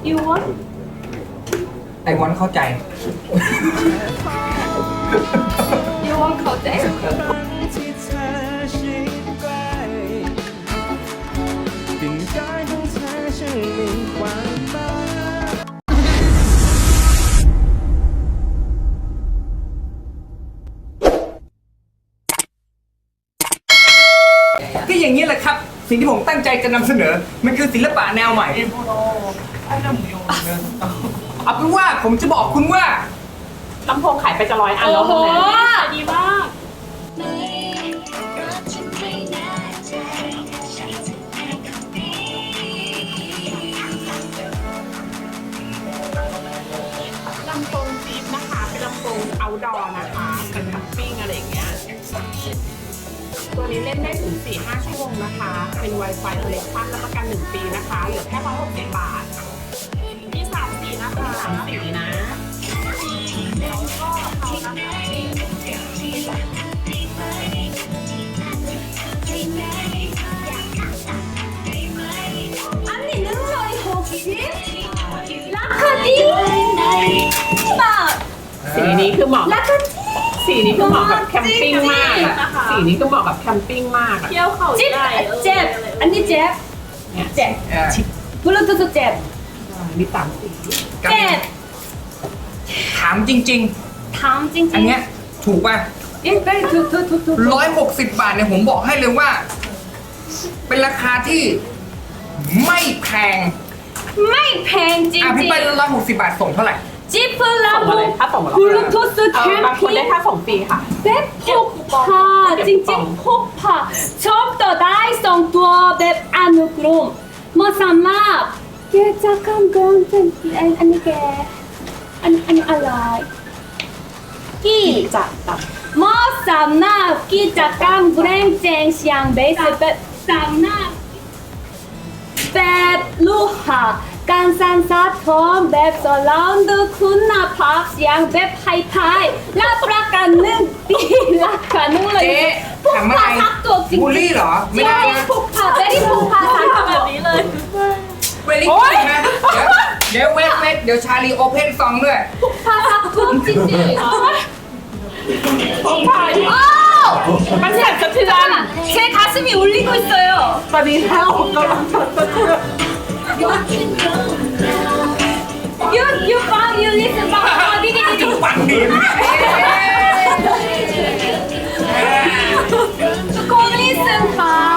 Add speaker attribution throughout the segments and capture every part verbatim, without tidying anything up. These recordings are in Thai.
Speaker 1: You want
Speaker 2: ไอวอนเข้าใจ
Speaker 1: You want เข้าใจ
Speaker 2: ก็อย่างนี้แหละครับ สิ่งที่ผมตั้งใจจะนำเสนอ มันคือศิลปะแนวใหม่เอาเป็นว่าผมจะบอกคุณว่า
Speaker 3: ลำโพงขายไปจะร้อยอัน
Speaker 1: โอ้
Speaker 3: แล้ว
Speaker 1: โห
Speaker 3: ดีมาก ลำโพงจีบนะคะ เป็นลำโพง outdoor นะคะ เป็นแคมปิ้งอะไรอย่างเงี้ย ตัวนี้เล่นได้ถึง สี่ถึงห้า ชั่วโมงนะคะ เป็น Wi-Fi Connection รับประกันหนึ่งปีนะคะ เหลือแค่ร้อยหกสิบบาท มีสามสีนะคะสามสีนะแล้วก็เขานะคะ
Speaker 1: 아니 능력이 혹시 라카디 막
Speaker 3: สีนี้คือเหมาะกับ
Speaker 1: 라카디
Speaker 3: สีนี้คือเหมาะกับแคมปิ้งมากอะสีนี้คือเหมาะกับแคมปิ้งมากอะ
Speaker 1: 잽 잽 아니 잽
Speaker 3: เนี่ย
Speaker 1: 잽
Speaker 2: เอ่อ
Speaker 1: 블루투스 잽
Speaker 3: มีสามสี
Speaker 1: 잽
Speaker 2: ถามจริง
Speaker 1: 다음
Speaker 2: ๆ อันเนี้ย
Speaker 1: 찡찡
Speaker 2: ถูกป่ะ
Speaker 1: 예 빨리 두두두두
Speaker 2: ร้อยหกสิบบาทเนี่ยผมบอกให้เลยว่า เป็นราคาที่ไม่แพง
Speaker 1: 마이팽
Speaker 2: อ่ะพี่
Speaker 1: 찡찡
Speaker 2: ไปร้อยหกสิบบาทส่งเท่าไหร่
Speaker 3: ส่งมาเลย
Speaker 1: 지플라보
Speaker 3: ถ้าส่งมาแล้ว
Speaker 1: 블루투스
Speaker 3: เออบางคนได้
Speaker 1: 캠핑
Speaker 3: ค่าส่งฟรีค่ะ
Speaker 1: 맵폭파 찡찡 폭파 처음부터 다이성 두어 맵 아누그롬 뭐 삼마 게 잠깐 그런 아니 아니 게 아니 아니 알라이 끼
Speaker 3: จะตัด
Speaker 1: 뭐 삼나 끼 잠깐 브랭쟁 시앙 베이스 맵 삼나 맵 루하 간산사톰 맵 서라운드 쿤나 팝 시앙 맵 하이파이 라프라카는 띠라카는
Speaker 2: เจ๊ถามอะไร
Speaker 1: 폭파 삭도
Speaker 2: บูลลี่เหรอ ไม่ได้
Speaker 1: 찡찡
Speaker 2: นะ
Speaker 1: 폭파 베리 폭파 삭도 แบบนี้เลย
Speaker 2: เวลี่กูดนะ เดี๋ยวเดี๋ยวเวทเวทเดี๋ยวชาลีโอเพนซองด้วย
Speaker 1: 폭파 삭도 찡찡
Speaker 3: ผมถ่าย
Speaker 1: 오!
Speaker 3: มันสั่นสะเทือน
Speaker 1: 제 가슴이 울리고 있어요
Speaker 3: ตอนนี้เท้าผมกำลังสั่นสะเทือน
Speaker 1: You you found you listen 봐. 어디
Speaker 2: จุ
Speaker 1: 계시?
Speaker 2: ดฟังดีมาก
Speaker 1: ทุกคน listen 봐.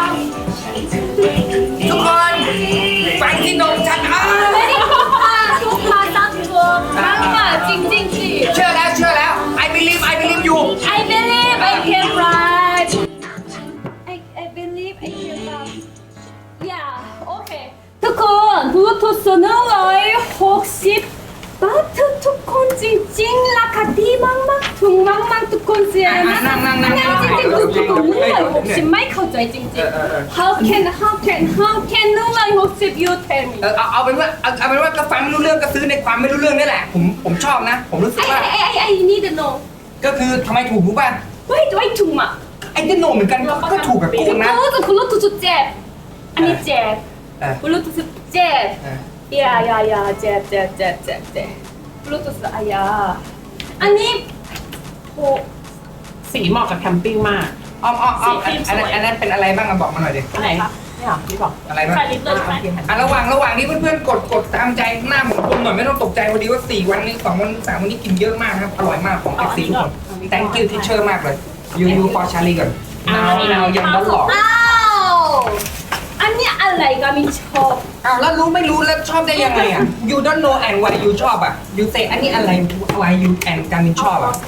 Speaker 2: ทุกคน ฟังที่นมฉันอ่ะ
Speaker 1: Very 폭파 폭파 삭도 막마 찡찡찡.
Speaker 2: เชื่อแล้วเชื่อแล้ว I believe I believe you
Speaker 1: I believe I can fly. I I believe I can fly. Yeah, okay. ทุกคนบลูทูธหนึ่งร้อยหกสิบ 바트 투콘 찡찡 라카디 망망 퉁망망 투콘 시에나 아니 찡찡 투콘 누가 혹시 마이크 저이 찡찡 How can how can how can 누가 혹시 you tell me
Speaker 2: เออเอาเอาเป็นว่าเอาเอาเป็นว่าก็ฟังไม่รู้เรื่องก็ซื้อในความไม่รู้เรื่องนี่แหละ ผมผมชอบนะ ผมรู้สึก
Speaker 1: I
Speaker 2: ว่า
Speaker 1: I I I need to know
Speaker 2: ก็คือทำไมถูกรู้ป่ะ
Speaker 1: Why do I 퉁마
Speaker 2: ไอ้ที่โนเหมือนกันก็ก็ถูกกับกูนะ
Speaker 1: 그것도 블루투스 잽 아니 잽
Speaker 2: เออ
Speaker 1: 블루투스 잽
Speaker 2: เออ
Speaker 1: 야야야 잽잽잽잽잽 블루투스 아야 아니 뭐
Speaker 3: สีเหมาะกับแคมปิ้งมาก
Speaker 2: อ้อมอ้อมอ้อมอันอันนั้นอันนั้นเป็นอะไรบ้างอะบอกมาหน่อยดิ
Speaker 3: อันไหนนี่เหรอนี่บอก
Speaker 2: อะไรบ้าง
Speaker 3: ใส่ลิปเลยใช่ไหม
Speaker 2: อ่ะระหว่างระหว่างนี้เพื่อนๆกดกดตามใจหน้าผมกลมหน่อยไม่ต้องตกใจพอดีว่าสี่วันนี้สองวันสามวันนี้กินเยอะมากครับอร่อยมากของเอฟซีทุกคน thank you teacher มากเลย you you for Charlie ก่อน now now ยังร้อนหลอก
Speaker 1: 아우 아니 알라이가 미쳐
Speaker 2: อ้าวแล้วรู้ไม่รู้แล้วชอบได้ยังไงอ่ะ you don't know and why you ชอบอ่ะ you say อันนี้อะไร why you and การมินชอบอ่ะ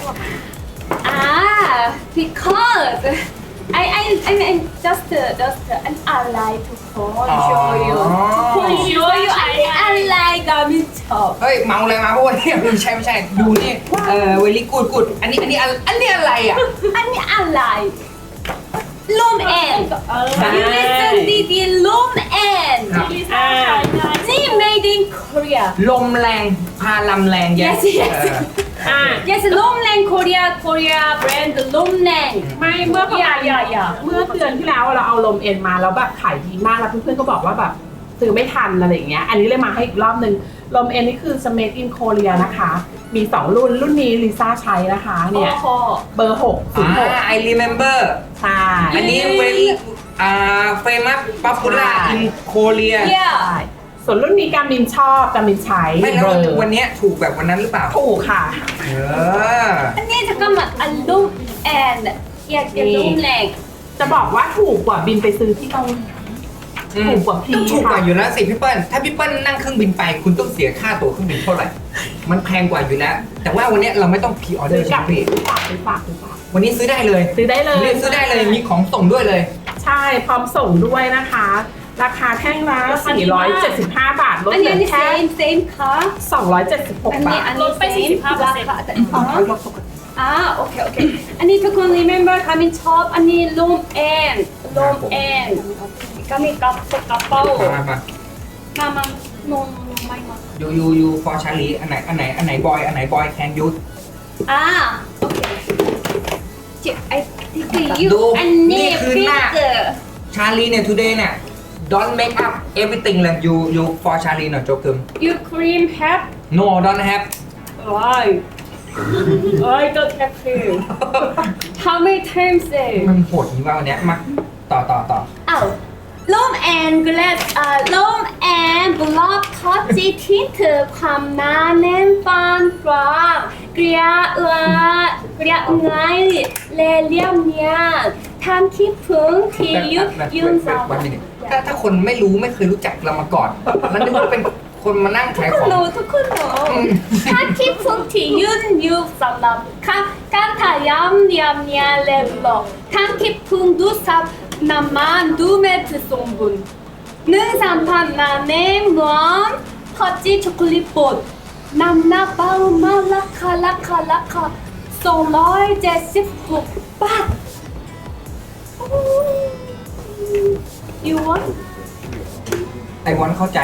Speaker 1: Ah, because I I I mean just just an ally to phone show you to phone show you I I like a micho
Speaker 2: เฮ้ยเมาเลยมาเพราะว่าเนี่ยไม่ใช่ไม่ใช่ดูนี่เออ very good good อันนี้อันนี้อันอันนี้อะไรอ่ะ
Speaker 1: 아니 ally room end
Speaker 3: เออ
Speaker 1: you listen to the room end
Speaker 3: อ่า
Speaker 1: นี่ made in Korea
Speaker 2: ลมแรงพาลำแรง
Speaker 1: yes yes
Speaker 3: อ่า
Speaker 1: yes room land Korea Korea brand room land
Speaker 3: ไม่เมื่อประมาณ
Speaker 1: อย่าอย่าอย่า
Speaker 3: เมื่อเดือนที่แล้วเราเอาลมเอ็นมาแล้วแบบขายดีมากแล้วเพื่อนๆก็บอกว่าแบบซื้อไม่ทันอะไรอย่างเงี้ยอันนี้เลยมาให้อีกรอบนึงลมเอ็นนี่คือ Made in Korea นะคะ มีสองรุ่นรุ่นนี้ลิซ่าใช้นะคะเนี่ย
Speaker 1: โอ้โห
Speaker 3: เบอร์หกศูนย์หก
Speaker 2: อ่า I remember
Speaker 3: ใช่
Speaker 2: อันนี้ very อ่า famous popular in Korea
Speaker 1: yeah
Speaker 3: ส่วนรุ่นนี้การมินชอบการมินใช้
Speaker 2: ไม่แล้ว
Speaker 3: เบอร์
Speaker 2: วันเนี้ยถูกแบบวันนั้นหรือเปล่า
Speaker 3: ถูกค่ะ
Speaker 2: เออ
Speaker 1: อันนี้잠깐만อันลูกแอนอย่าอย่าลูกแรง
Speaker 3: จะบอกว่าถูกกว่าบินไปซื้อที่เกาหลี
Speaker 2: อืม
Speaker 3: ถูกกว่าพี่
Speaker 2: ต้องถูกกว่า
Speaker 3: ค่ะ
Speaker 2: อยู่แล้วสิพี่เปิ้ลถ้าพี่เปิ้ลนั่งเครื่องบินไปคุณต้องเสียค่าตั๋วเครื่องบินเท่าไหร่ มันแพงกว่าอยู่แล้ว แต่ว่าวันเนี้ยเราไม่ต้องพรีออเดอ
Speaker 3: ซื้อ
Speaker 2: ร์
Speaker 3: ก
Speaker 2: ใช่
Speaker 3: ลับ
Speaker 2: ไหมพี่
Speaker 3: ซื้อฝากซื้อฝากซื้อฝาก
Speaker 2: วันนี้ซื้อได้เลย
Speaker 3: ซื้อได้เลย
Speaker 2: วันนี้ซื้อได้เลยมีของส่งด้วยเลย
Speaker 3: ใช่พร้อมส่งด้วยนะคะ ราคาแท่งละสี่ร้อยเจ็ดสิบห้าบาทลด
Speaker 1: อัน
Speaker 3: เห
Speaker 1: นี้
Speaker 3: ลื
Speaker 1: อัน
Speaker 3: อ
Speaker 1: นี้
Speaker 3: แค่
Speaker 1: same same ค่ะ
Speaker 3: สองร้อยเจ็ดสิบหก
Speaker 1: อัน
Speaker 3: บา
Speaker 1: นี้
Speaker 3: ท
Speaker 1: อัน
Speaker 4: ล
Speaker 1: นี้
Speaker 4: ดไป
Speaker 1: same
Speaker 4: 45%
Speaker 1: ราคาแต่อ๋อ
Speaker 3: ลดปกติ
Speaker 1: อ่าโอเคโอเคอันนี้ทุกคน remember กามินชอบอันนี้ลูมแอนลูมแอนกามินกับกระเป๋า
Speaker 2: มามา
Speaker 1: มามาโนโนโนไม่มา
Speaker 2: ยูยูยู for Charlie อันไหนอันไหนอันไหนบอยอันไหนบอย can you
Speaker 1: อ่าโอเคเจ็บไอ้ที่คือยู
Speaker 2: ดู
Speaker 1: อัน
Speaker 2: นี่
Speaker 1: นี้
Speaker 2: คือ
Speaker 1: ฟิ
Speaker 2: ห
Speaker 1: ล
Speaker 2: น้า
Speaker 1: เตอร์
Speaker 2: Charlie เนี่ย today เนี่ย don't make up everything เลย you you for Charlie หน่อยโจกึม
Speaker 1: you cream have
Speaker 2: no don't have
Speaker 1: why I don't have cream how many times say
Speaker 2: มันโหดจริงว่าวันเนี้ยมาต่อต่อต่อ
Speaker 1: อ้าวลมแอนกลาสอ่าลมแอนบล็อกคอจีทิเธอความหนาแน่นปานกลางเกลียเอือเกลียง่ายเลเลียมเนียนทำคิดพึงที่ยุดยืนสาว
Speaker 2: วันนี้ถ้าถ้าคนไม่รู้ไม่เคยรู้จักเรามาก่อน แล้วนึกว่าเป็นคนมานั่ง
Speaker 1: ทุ
Speaker 2: ขาก ย
Speaker 1: ค
Speaker 2: ข
Speaker 1: น
Speaker 2: อง
Speaker 1: รู้ทุกคนรู้ทำคิดพึงที่ยืนยืนสำหรับการการทายามเนียมเนียเลบล็อกทำคิดพึงดูสับน้ำมันดูเม็ดสมบูรณ์หนึ่งสามพันนาเนมนวลพอจีช็อกโกแลตบดน้ำหน้าเบามากราคาราคาราคาสองร้อยเจ็ดสิบหกบาท you want
Speaker 2: ไอวอนเข้าใจ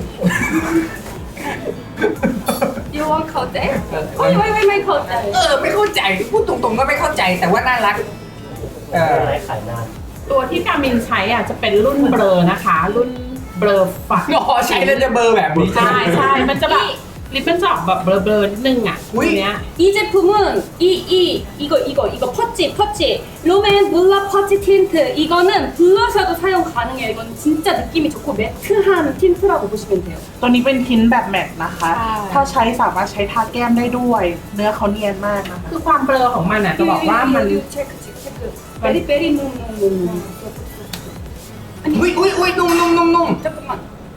Speaker 1: you want เข้าใจไม่ไม่ไม่ไม่เข้าใจ
Speaker 2: เออไม่เข้าใจพูดตรงๆก็ไม่เข้าใจแต่ว่าน่ารักเออ
Speaker 3: ตัวที่การมินใช้อ่ะจะเป็นรุ่นเบลอนะคะ รุ่นเบลอฝัก
Speaker 2: อ๋อใช้แล้วจะเบอร์แบบนี้
Speaker 3: ใช่ใช่มันจะแบบลิปมันจะออกแบบเบลอเบลอนิดนึงอ่ะ
Speaker 2: อุ๊
Speaker 3: ตั
Speaker 2: ย
Speaker 3: วเนี้ย
Speaker 1: 이 제품은 이, 이, 이거, 이거, 이거 퍼치, 퍼치. 롬앤 물라 퍼치 틴트. 이거는 블러셔도 사용 가능해요. 이건 진짜 느낌이 좋고 매트한 틴트라고 보시면 돼요.
Speaker 5: ตัวนี้เป็นทินแบบแมทนะคะ
Speaker 1: ใช่
Speaker 5: ถ้าใช้สามารถใช้ทาแก้มได้ด้วย เนื้อเขาเนียนมากนะคะ
Speaker 3: คือความเบลอของมันอ่ะจะบอกว่ามัน
Speaker 1: 유, 유, 유, 체크, 체크, 체크. 베리, 베리, 놈, 놈, 놈, 놈.
Speaker 2: อุ้ยอุ้ยอุ้ยนุ่มนุ่มนุ่มนุ่ม
Speaker 1: 잠깐만.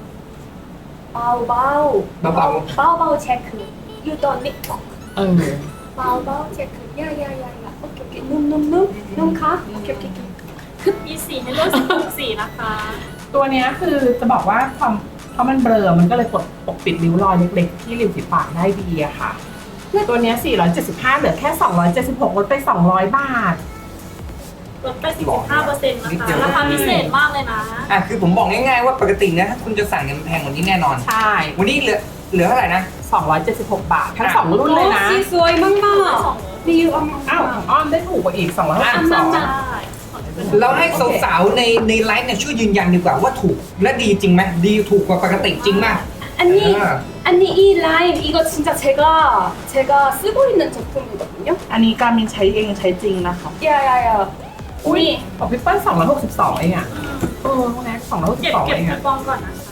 Speaker 1: 바우, 바우.
Speaker 2: 바우.
Speaker 1: 바우, 바우, 체크. You don't need talk.
Speaker 3: เออ
Speaker 1: 바우, 바우, 체크. 야, 야, 야, 야. 오케이, 오케이. 놈, 놈, 놈. 놈 가. 오케이, 오케이, 오케이.
Speaker 4: มีสีให้เลือกสิบหกสีนะคะ
Speaker 3: ตัวเนี้ยคือจะบอกว่าความเพราะมันเบลอมันก็เลยปกปกปิดริ้วรอยเล็กๆที่ริมฝีปากได้ดีอะค่ะ ตัวเนี้ยสี่ร้อยเจ็ดสิบห้าเหลือแค่สองร้อยเจ็ดสิบหกลดไปสองร้อยบาท
Speaker 4: ลดไปสิบห้าเปอร์เซ็นต์นะคะ ราคาพิเศษมากเลยนะ
Speaker 2: อ่ะคือผมบอกง่ายๆว่าปกตินะถ้าคุณจะสั่งเนี่ยมันแพงกว่านี้แน่นอน
Speaker 3: ใช่
Speaker 2: วันนี้เหลือเหลือเท่าไหร่นะ
Speaker 3: สองร้อยเจ็ดสิบหกบาท ทั้งสองรุ่นเลยนะ
Speaker 1: 오, 씨, 소이 망마. 리유
Speaker 3: อ้าว
Speaker 1: 엄마.
Speaker 3: ของอ้อมได้ถูกกว่าอีกสองร้อยหกสิบสอง
Speaker 1: อ่ะ
Speaker 4: ใช่
Speaker 2: เราให้สาวๆในในไลฟ์เนี่ยช่วยยืนยันดีกว่าว่าถูกและดีจริงไหมดีถูกกว่าปกติจริงไหม
Speaker 1: 아니,
Speaker 2: 아.
Speaker 1: 아니 이 라임 이거 진짜 제가 제가 쓰고 있는 제품이거든요.
Speaker 5: อันนี้การมินใช้เองใช้จริงนะคะ
Speaker 1: 야야야.
Speaker 3: อุ้ย
Speaker 1: 우리
Speaker 3: ของพี่เปิ้ลสองร้อยหกสิบสองเองอะเออพวกนี้สองร้อยหกสิ
Speaker 4: เก็
Speaker 3: บบ สอง
Speaker 4: เก็บ
Speaker 3: เอง
Speaker 4: คู
Speaker 3: อะ
Speaker 4: ปองก่อนนะคะ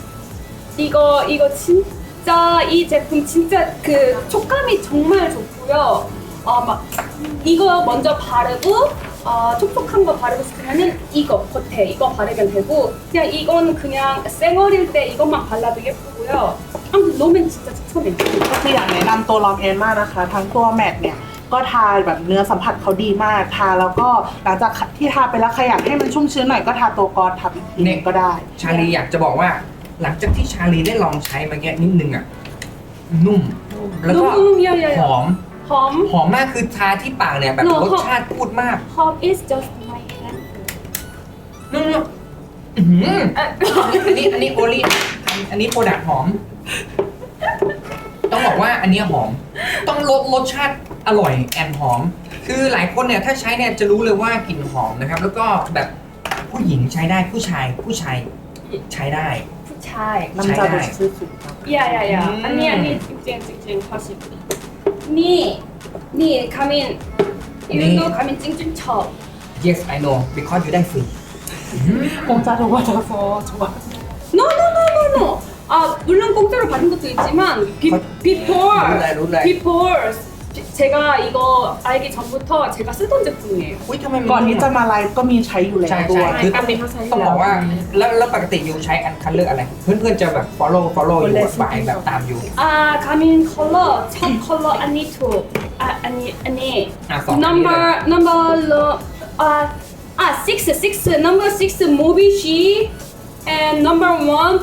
Speaker 1: 이거 이거 진짜 이 제품 진짜 그 촉감이 정말 좋고요. 어 막 이거 먼저 바르고 어 촉촉한 거 바르고 싶으면은 이거 겉에 이거 바르면 되고 그냥 이건 그냥 쌩얼일 때 이것만 발라도 예쁘고요. 아무튼 롬앤 진짜 추천해요.
Speaker 5: ก็คืออยากแนะนำตัวลองเอนมากนะคะ ทั้งตัวแมทเนี่ย ก็ทาแบบเนื้อสัมผัสเขาดีมาก ทาแล้วก็หลังจากที่ทาไปแล้วใครอยากให้มันชุ่มชื้นหน่อยก็ทาตัวกอทับอีกทีหนึงก็ได้
Speaker 2: ชาลีอยากจะบอกว่า หลังจากที่ชาลีได้ลองใช้มาแค่นิดนึงอ่ะนุ่ม แล้วก็
Speaker 1: 너무 야야야.
Speaker 2: หอม
Speaker 1: 험.
Speaker 2: หอมมากคือทาที่ปากเนี่ยแบบ
Speaker 1: หนู
Speaker 2: รสชาติพูดมาก
Speaker 1: 험 is just my hand.
Speaker 2: นุ่มๆอื้อหืออันนี้อันนี้โอลี่อันนี้โปรดักหอม ต้องบอกว่าอันนี้หอม ต้องรสรสชาติอร่อยแอนหอม คือหลายคนเนี่ยถ้าใช้เนี่ยจะรู้เลยว่ากลิ่นหอมนะครับ แล้วก็แบบผู้หญิงใช้ได้ผู้ชายผู้ชายใช้ได้
Speaker 1: chai.
Speaker 5: น้ำจาดูชื่อสุดครับ
Speaker 1: Yeah, yeah, yeah.
Speaker 2: Mm.
Speaker 1: 아니, 아니, 찡찡, 찡찡, 다시. 니, 니, 가민.
Speaker 2: 니.
Speaker 1: 이거 가민 찡찡 쳐.
Speaker 2: yes I know because you ได้ฟรี
Speaker 5: คงจะถูกว่าจะโฟชัว
Speaker 1: No, no, no, no, no. 아, 물론 공짜로 받은 것도 있지만, 비, before,
Speaker 2: 룰라이, 룰라이.
Speaker 1: before, 제가 이거 알기 전부터 제가 쓰던 제품이에요.
Speaker 2: อุ้ยทำไมมัน
Speaker 5: ก่อนที่จะมาไลฟ์ก็มีใช้อยู่แล้ว
Speaker 2: ใช่
Speaker 5: ด้
Speaker 2: ใช่
Speaker 5: วย
Speaker 2: คือ
Speaker 3: การบินเขาใช้อยู่
Speaker 2: ต้องบอกว่าแล้วแล้วปกติยูใช้อันคันเลือกอะไร เพื่อนๆจะแบบ follow follow อยู่บ่ายแบบตามอยู่
Speaker 1: 아, 가민 컬러, 첫 컬러 아니 투, 아, 아니, 아니.
Speaker 2: 아, 써.
Speaker 1: number, number, 아, 아, six, six, number six, 모비쉬, and number one,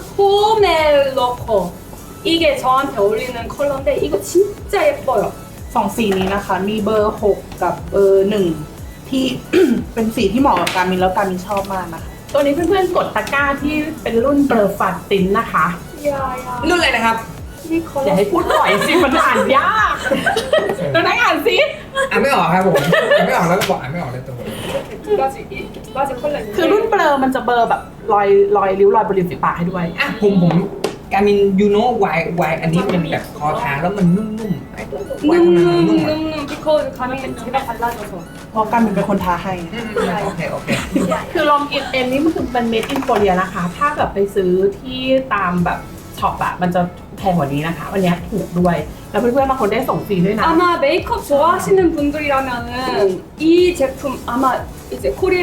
Speaker 1: 포멜로코. 이게 저한테 어울리는 컬러인데 이거 진짜 예뻐요.
Speaker 5: สองสีนี้นะคะ มีเบอร์หกกับเบอร์หนึ่งที่ เป็นสีที่เหมาะกับการมินแล้วการมินชอบมากนะคะ
Speaker 3: ตัวนี้เพื่อนๆกดตะกร้าที่เป็นรุ่นเบอร์ฟันตินนะคะ
Speaker 1: 야야.
Speaker 2: รุ่นอะไรนะครับ
Speaker 1: 이
Speaker 3: อย่า
Speaker 1: 컬러.
Speaker 3: ให้พูดบ่อยสิมันอ่านยากเราได้อ่านสิ
Speaker 2: อ่านไม่ออกครับผมอ่านไม่ออกแล้วก็บอกอ่านไม่ออกเลยตัวผม
Speaker 1: 두 가지, 이렇게 두 가지 컬러
Speaker 3: คือรุ่น
Speaker 1: 있는데.
Speaker 3: เบลอมันจะเบลอแบบรอยรอยริ้วรอยบริเวณฝีปากให้ด้วย
Speaker 2: อ่ะผมผมการมินยูโน่วายวายอันนี้เป็นแบบคอทาแล้วมันนุ่มๆไอ้วายทำไมมันนุ่มอ่ะ
Speaker 1: 눔눔 because 가민 제가 발라줘서.
Speaker 5: เพราะการมินเป็นคนทาให้
Speaker 2: อืมโอเคโอเค
Speaker 3: คือลองอินเอ็นนี่มันคือเป็นเมดอินโคเรียนะคะ ถ้าแบบไปซื้อที่ตามแบบช็อปอะมันจะแพงกว่านี้นะคะ วันนี้ถูกด้วย แล้วเพื่อนๆบางคนได้ส่งฟรีด้วยนะ
Speaker 1: 아마 메이크업 좋아하시는 분들이라면은 이 제품 아마 이제 코리아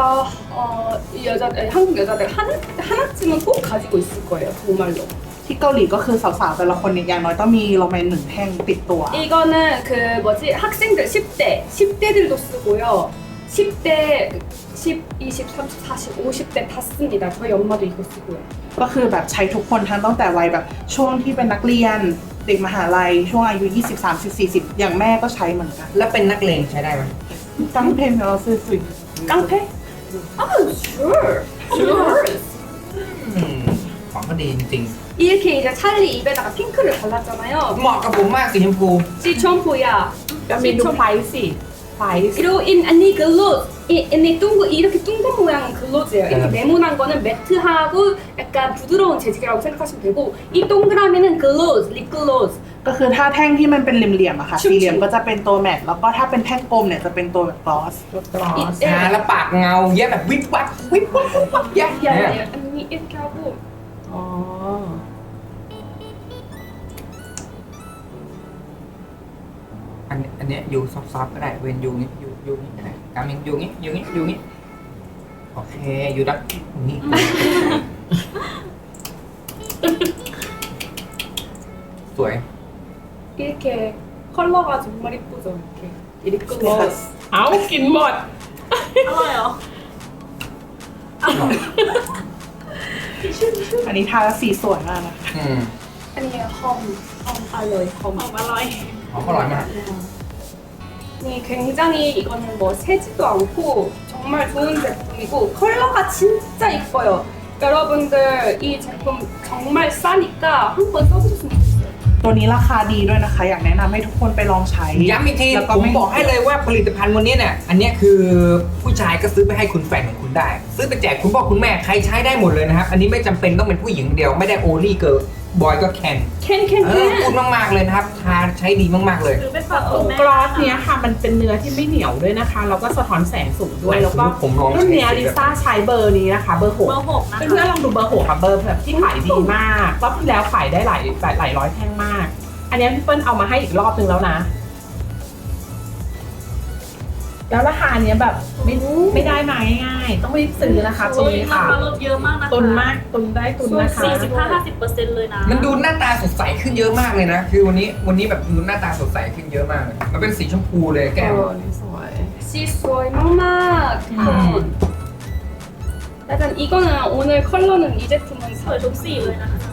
Speaker 1: 어, 이 여자들 한국 여자들 하나 하나쯤은 꼭 가지고 있을 거예요 정말로.
Speaker 5: ที่เกาหลีก็คือสาวๆแต่ละคนเนี่ยอย่างน้อยต้องมีโรแมนหนึ่งแท่งติดตัว
Speaker 1: 이거는 그 뭐지 학생들 십 대 십 대들도 쓰고요. 십 대 십, 이십, 삼십, 사십, 오십 대 다 씁니다. 저희 엄마도 이거 쓰고요.
Speaker 5: ก็คือแบบใช้ทุกคนทั้งตั้งแต่วัยแบบช่วงที่เป็นนักเรียนเด็กมหาลัยช่วงอายุยี่สิบ สามสิบ สี่สิบอย่างแม่ก็ใช้เหมือนกัน
Speaker 2: แล้วเป็นนักเลงใช้ได้ไหม
Speaker 5: ตั้งเพลงเราซื้อสุด
Speaker 1: 깡패? 아, sure. sure.
Speaker 2: อืมของก็ดีจริง
Speaker 1: 이렇게 이제 찰리 입에다가 핑크를 발랐잖아요.
Speaker 2: ๆ เหมาะกับผมมากสีชมพู
Speaker 1: 시 첨포야.
Speaker 3: ก็มีดูไพรส์สิไพรส์
Speaker 1: 그리고 인 아니 글로즈. 이 아니 둥근 이렇게 둥근 모양은 글로즈예요. 이렇게
Speaker 2: 네.
Speaker 1: 네모난 거는 매트하고 약간 부드러운 재질이라고 생각하시면 되고 이 동그라미는 글로즈, 립 글로즈.
Speaker 5: ก็คือถ้าแท่งที่มันเป็นเหลี่ยมๆอะค่ะ
Speaker 1: ชุ่มๆ
Speaker 5: สี่เหลี่ยมก็จะเป็นตัวแมตต์แล้วก็ถ้าเป็นแท่งกลมเนี่ยจะเป็นตัวแบบกลอส
Speaker 3: กลอส
Speaker 2: ทาแล้วปากเงาแย่แบบวิบวับวิบวับวิบวับแย่
Speaker 1: 야,
Speaker 2: เนี่ย
Speaker 1: 야, 아니 이렇게 하고
Speaker 3: อ๋อ
Speaker 2: อันนี้อันเนี้ยยูซอฟๆก็ได้เวนยูนี้ยูยูนี้ก็ได้การมินยูนี้ยูนี้ยูนี้โอเคยูดักนี่ สวย
Speaker 1: 이렇게 컬러가 정말 이쁘죠. 이렇게 립 글로즈.
Speaker 3: เอากินหมด
Speaker 4: อร่อยเหรอ
Speaker 5: อันนี้ทาแล้วสีสวยมากนะคะ
Speaker 2: อืม
Speaker 1: 아니 험, 험 알로이 험.
Speaker 4: ออกมาอร่อย
Speaker 2: หอมอร่อยมาก
Speaker 1: 네, 굉장히 이거는 뭐 새지도 않고 정말 좋은 제품이고 컬러가 진짜 이뻐요. 여러분들 이 제품 정말 싸니까 한번 써보셨으면 좋겠어요.
Speaker 5: ตัวนี้ราคาดีด้วยนะคะ อยากแนะนำให้ทุกคนไปลองใช้
Speaker 2: ย้ำอีกที
Speaker 5: แล้วก็
Speaker 2: ผม
Speaker 5: ไม่
Speaker 2: บอกให้เลยว่าผลิตภัณฑ์วันนี้เนี่ยอันเนี้ยคือผู้ชายก็ซื้อไปให้คุณแฟนของคุณได้ ซื้อไปแจกคุณพ่อคุณแม่ใครใช้ได้หมดเลยนะครับ อันนี้ไม่จำเป็นต้องเป็นผู้หญิงเดียวไม่ได้โอลี่เกิร์ลบอยก็แคน
Speaker 1: 캔, 캔,
Speaker 2: เออพูด
Speaker 1: 캔.
Speaker 2: มากๆเลยนะครับทาใช้ดีมากๆเลย
Speaker 4: หรือไปฝากคุณแม่
Speaker 3: กลอสเนี้ยค่ะมันเป็นเนื้อที่ไม่เหนียวด้วยนะคะแล้วก็สะท้อนแสงสูงด้วยแล้วก็
Speaker 2: ผมลองใช้
Speaker 3: รุ่นเนี้ยลิซ่าใช้เบอร์นี้นะคะ เบอร์หก
Speaker 4: เบอร์หกนะคะ
Speaker 3: เพื่อนๆลองดูเบอร์หกค่ะเบอร์แบบที่ขายดีมากรอบที่แล้วขายได้หลายหลายหลายร้อยแท่งมาก อันเนี้ยพี่เปิ้ลเอามาให้อีกรอบนึงแล้วนะ แล้วราคาเนี้ยแบบไม่ไม่ได้มาง่ายๆต้องรีบซื้อนะคะตัวนี้ค่ะ
Speaker 4: ราคาลดเยอะมากนะคะ
Speaker 3: ตุนมากตุนได้ตุนนะคะ
Speaker 4: สี่สิบห้าห้าสิบเปอร์เซ็นต์เลยนะ
Speaker 2: มันดูหน้าตาสดใสขึ้นเยอะมากเลยนะ คือวันนี้วันนี้แบบดูหน้าตาสดใสขึ้นเยอะมากเลยมันเป็นสีชมพูเลยแก้ม
Speaker 3: เออนี่สวย
Speaker 1: 시소이 막막.
Speaker 2: 음.
Speaker 1: 일단 이거는 오늘 컬러는 이 제품은
Speaker 4: สวยทุกสีเลยนะคะ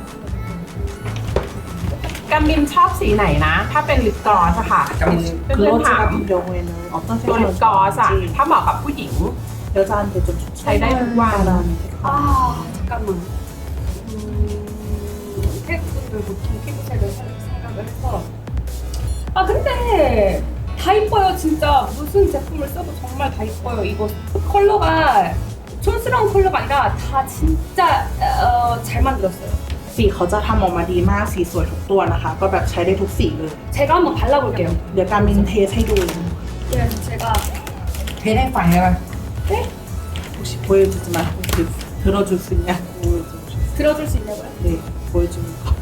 Speaker 3: กามินชอบสีไหนนะ ถ้าเป็นลิปกลอสอะค่ะ
Speaker 2: กามิน
Speaker 3: เพื่อนๆถาม
Speaker 5: โดเวนเลยออกต้นเส้น
Speaker 3: ตัวลิปกลอสอะถ้าเหมาะกับผู้หญิง
Speaker 5: เดี๋ยวจานเดี๋ยวจะ
Speaker 3: ใช้ได้ทุกวัน
Speaker 1: 아 잠깐만. 음, 태국 분들 보통 피부색을 생각을 해서 아 근데 다 이뻐요 진짜 무슨 제품을 써도 정말 다 이뻐요 이거 컬러가 촌스러운 컬러가 아니라 다 진짜 어, 잘 만들었어요.
Speaker 5: สีเขาจะทำออกมาดีมากสีสวยทุกตัวนะคะ ก็แบบใช้ได้ทุกสีเลย
Speaker 1: 제가 한번 발라볼게요.
Speaker 5: เดี๋ยวการมินเทสให้ดู
Speaker 1: 네, 제가
Speaker 2: เทสให้ฟังได้ไหม
Speaker 5: 혹시 보여주지만 혹시 들어줄 수 있냐? 보여줘.
Speaker 1: 들어줄 수 있냐고요?
Speaker 5: 네, 보여주는 거.